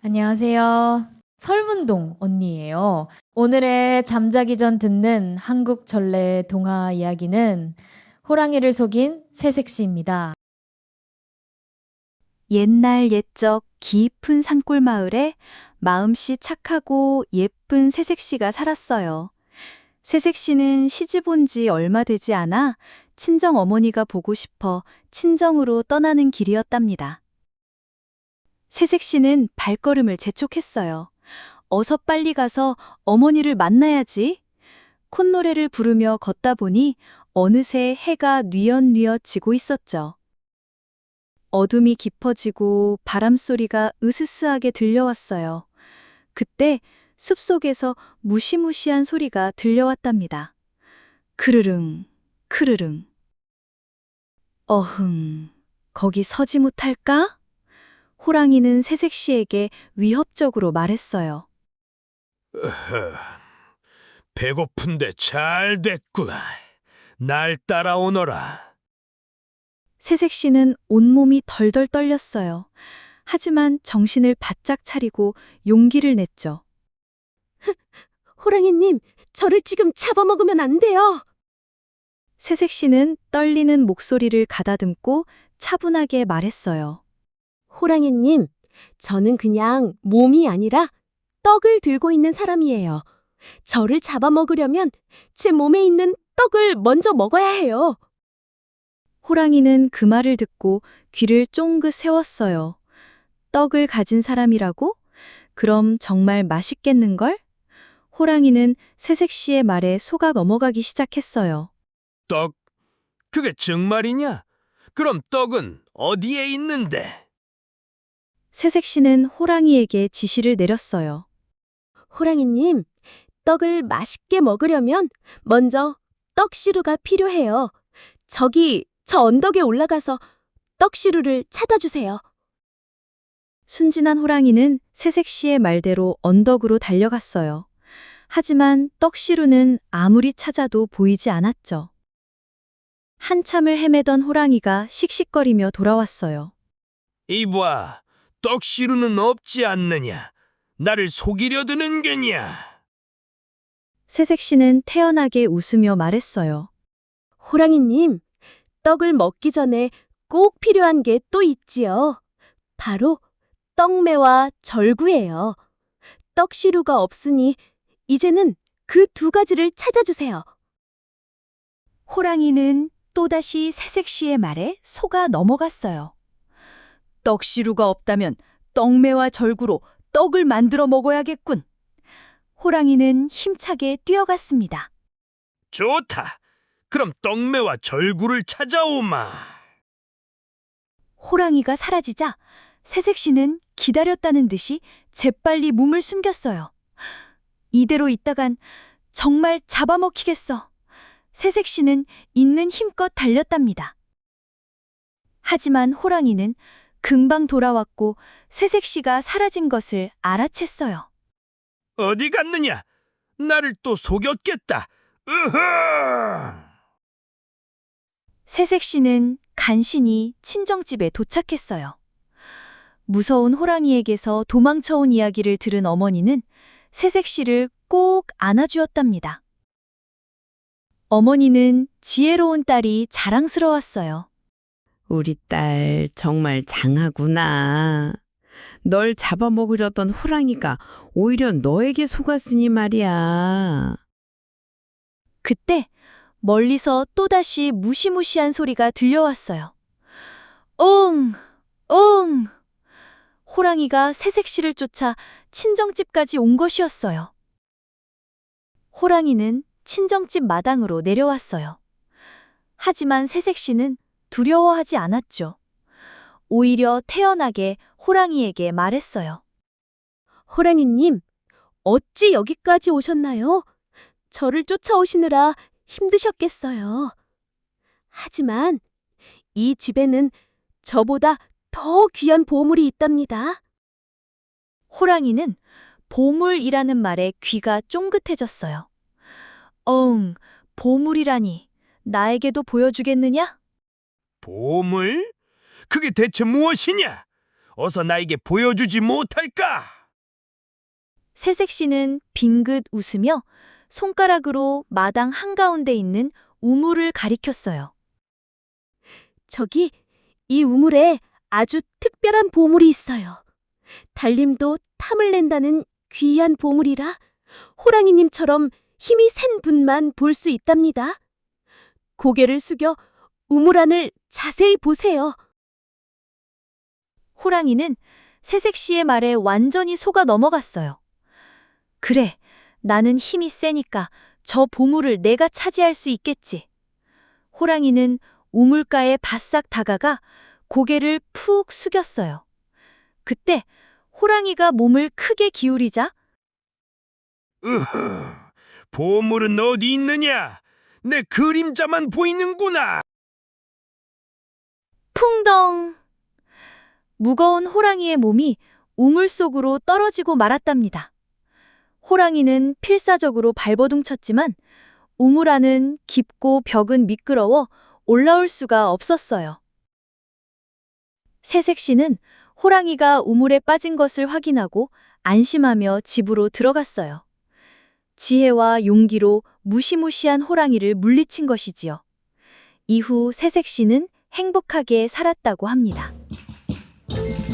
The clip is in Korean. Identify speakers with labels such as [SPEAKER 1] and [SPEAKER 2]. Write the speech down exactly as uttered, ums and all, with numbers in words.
[SPEAKER 1] 안녕하세요. 설문동 언니예요. 오늘의 잠자기 전 듣는 한국 전래 동화 이야기는 호랑이를 속인 새색시입니다.
[SPEAKER 2] 옛날 옛적 깊은 산골 마을에 마음씨 착하고 예쁜 새색시가 살았어요. 새색시는 시집 온 지 얼마 되지 않아 친정 어머니가 보고 싶어 친정으로 떠나는 길이었답니다. 새색시는 발걸음을 재촉했어요. 어서 빨리 가서 어머니를 만나야지. 콧노래를 부르며 걷다 보니 어느새 해가 뉘엿뉘엿 지고 있었죠. 어둠이 깊어지고 바람소리가 으스스하게 들려왔어요. 그때 숲속에서 무시무시한 소리가 들려왔답니다. 크르릉, 크르릉. 어흥, 거기 서지 못할까? 호랑이는 새색시에게 위협적으로 말했어요.
[SPEAKER 3] 으흐, 배고픈데 잘 됐구나. 날 따라오너라.
[SPEAKER 2] 새색시는 온몸이 덜덜 떨렸어요. 하지만 정신을 바짝 차리고 용기를 냈죠.
[SPEAKER 4] 호랑이님, 저를 지금 잡아먹으면 안 돼요.
[SPEAKER 2] 새색시는 떨리는 목소리를 가다듬고 차분하게 말했어요.
[SPEAKER 4] 호랑이님, 저는 그냥 몸이 아니라 떡을 들고 있는 사람이에요. 저를 잡아먹으려면 제 몸에 있는 떡을 먼저 먹어야 해요.
[SPEAKER 2] 호랑이는 그 말을 듣고 귀를 쫑긋 세웠어요. 떡을 가진 사람이라고? 그럼 정말 맛있겠는걸? 호랑이는 새색시의 말에 속아 넘어가기 시작했어요.
[SPEAKER 3] 떡? 그게 정말이냐? 그럼 떡은 어디에 있는데?
[SPEAKER 2] 새색시는 호랑이에게 지시를 내렸어요.
[SPEAKER 4] 호랑이님, 떡을 맛있게 먹으려면 먼저 떡시루가 필요해요. 저기 저 언덕에 올라가서 떡시루를 찾아 주세요.
[SPEAKER 2] 순진한 호랑이는 새색시의 말대로 언덕으로 달려갔어요. 하지만 떡시루는 아무리 찾아도 보이지 않았죠. 한참을 헤매던 호랑이가 씩씩거리며 돌아왔어요.
[SPEAKER 3] 이봐, 떡시루는 없지 않느냐? 나를 속이려 드는 게냐?
[SPEAKER 2] 새색시는 태연하게 웃으며 말했어요.
[SPEAKER 4] 호랑이님, 떡을 먹기 전에 꼭 필요한 게 또 있지요. 바로 떡매와 절구예요. 떡시루가 없으니 이제는 그 두 가지를 찾아주세요.
[SPEAKER 2] 호랑이는 또다시 새색시의 말에 속아 넘어갔어요. 떡시루가 없다면 떡매와 절구로 떡을 만들어 먹어야겠군. 호랑이는 힘차게 뛰어갔습니다.
[SPEAKER 3] 좋다. 그럼 떡매와 절구를 찾아오마.
[SPEAKER 2] 호랑이가 사라지자 새색시는 기다렸다는 듯이 재빨리 몸을 숨겼어요. 이대로 있다간 정말 잡아먹히겠어. 새색시는 있는 힘껏 달렸답니다. 하지만 호랑이는 금방 돌아왔고 새색시가 사라진 것을 알아챘어요.
[SPEAKER 3] 어디 갔느냐? 나를 또 속였겠다. 으흐!
[SPEAKER 2] 새색시는 간신히 친정집에 도착했어요. 무서운 호랑이에게서 도망쳐온 이야기를 들은 어머니는 새색시를 꼭 안아주었답니다. 어머니는 지혜로운 딸이 자랑스러웠어요.
[SPEAKER 5] 우리 딸 정말 장하구나. 널 잡아먹으려던 호랑이가 오히려 너에게 속았으니 말이야.
[SPEAKER 2] 그때 멀리서 또다시 무시무시한 소리가 들려왔어요. 옹! 옹! 호랑이가 새색시를 쫓아 친정집까지 온 것이었어요. 호랑이는 친정집 마당으로 내려왔어요. 하지만 새색시는 두려워하지 않았죠. 오히려 태연하게 호랑이에게 말했어요.
[SPEAKER 4] 호랑이님, 어찌 여기까지 오셨나요? 저를 쫓아오시느라 힘드셨겠어요. 하지만 이 집에는 저보다 더 귀한 보물이 있답니다.
[SPEAKER 2] 호랑이는 보물이라는 말에 귀가 쫑긋해졌어요. 엉, 보물이라니 나에게도 보여주겠느냐?
[SPEAKER 3] 보물? 그게 대체 무엇이냐? 어서 나에게 보여주지 못할까?
[SPEAKER 2] 새색 씨는 빙긋 웃으며 손가락으로 마당 한가운데 있는 우물을 가리켰어요.
[SPEAKER 4] 저기 이 우물에 아주 특별한 보물이 있어요. 달림도 탐을 낸다는 귀한 보물이라 호랑이님처럼 힘이 센 분만 볼 수 있답니다. 고개를 숙여 우물 안을 자세히 보세요.
[SPEAKER 2] 호랑이는 새색 씨의 말에 완전히 속아 넘어갔어요. 그래, 나는 힘이 세니까 저 보물을 내가 차지할 수 있겠지. 호랑이는 우물가에 바싹 다가가 고개를 푹 숙였어요. 그때 호랑이가 몸을 크게 기울이자
[SPEAKER 3] 으흐, 보물은 어디 있느냐? 내 그림자만 보이는구나.
[SPEAKER 2] 풍덩! 무거운 호랑이의 몸이 우물 속으로 떨어지고 말았답니다. 호랑이는 필사적으로 발버둥 쳤지만 우물 안은 깊고 벽은 미끄러워 올라올 수가 없었어요. 새색 씨는 호랑이가 우물에 빠진 것을 확인하고 안심하며 집으로 들어갔어요. 지혜와 용기로 무시무시한 호랑이를 물리친 것이지요. 이후 새색 씨는 행복하게 살았다고 합니다.